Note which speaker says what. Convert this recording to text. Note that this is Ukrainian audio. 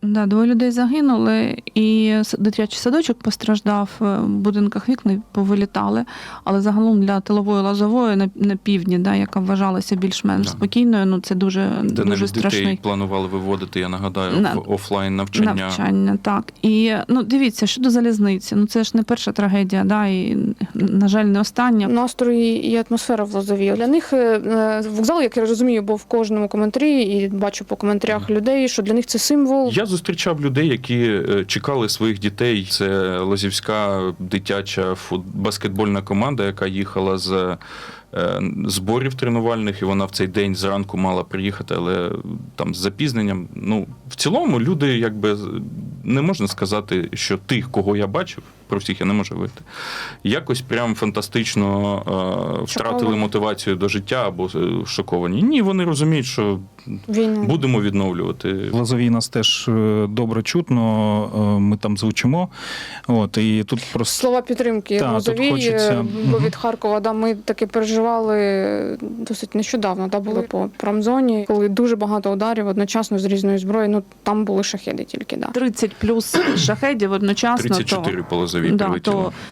Speaker 1: Да, 2 людей загинули, і дитячий садочок постраждав, в будинках вікна повилітали, але загалом для тилової Лозової на півдні, да, яка вважалася більш-менш спокійною, ну це дуже,
Speaker 2: Де
Speaker 1: дуже
Speaker 2: навіть
Speaker 1: страшний.
Speaker 2: дітей планували виводити, я нагадаю, в офлайн навчання.
Speaker 1: Навчання, так. І, ну, дивіться, щодо залізниці, ну це ж не перша трагедія, да, і, на жаль, не остання.
Speaker 3: Настрої і атмосфера в Лозовій. Для них вокзал, як я розумію, був в кожному коментарі, і бачу по коментарях людей, що для них це символ.
Speaker 2: Я зустрічав людей, які чекали своїх дітей. Це Лозівська дитяча баскетбольна команда, яка їхала з зборів тренувальних, і вона в цей день зранку мала приїхати, але там з запізненням. Ну, в цілому люди, якби, не можна сказати, що тих, кого я бачив, про всіх я не можу говорити, якось прям фантастично втратили мотивацію до життя або шоковані. Ні, вони розуміють, що будемо відновлювати.
Speaker 4: В Лозовій нас теж добре чутно, ми там звучимо. От, і тут просто...
Speaker 3: Слова підтримки в Лозовій,
Speaker 4: хочеться...
Speaker 3: бо від Харкова, да, ми таки переживали досить нещодавно, да, були по промзоні, коли дуже багато ударів одночасно з різної зброї, ну там були шахеди тільки, да.
Speaker 1: 30 плюс шахедів одночасно.
Speaker 2: 34 по Лозовій
Speaker 1: да,
Speaker 2: прилетіло.
Speaker 1: То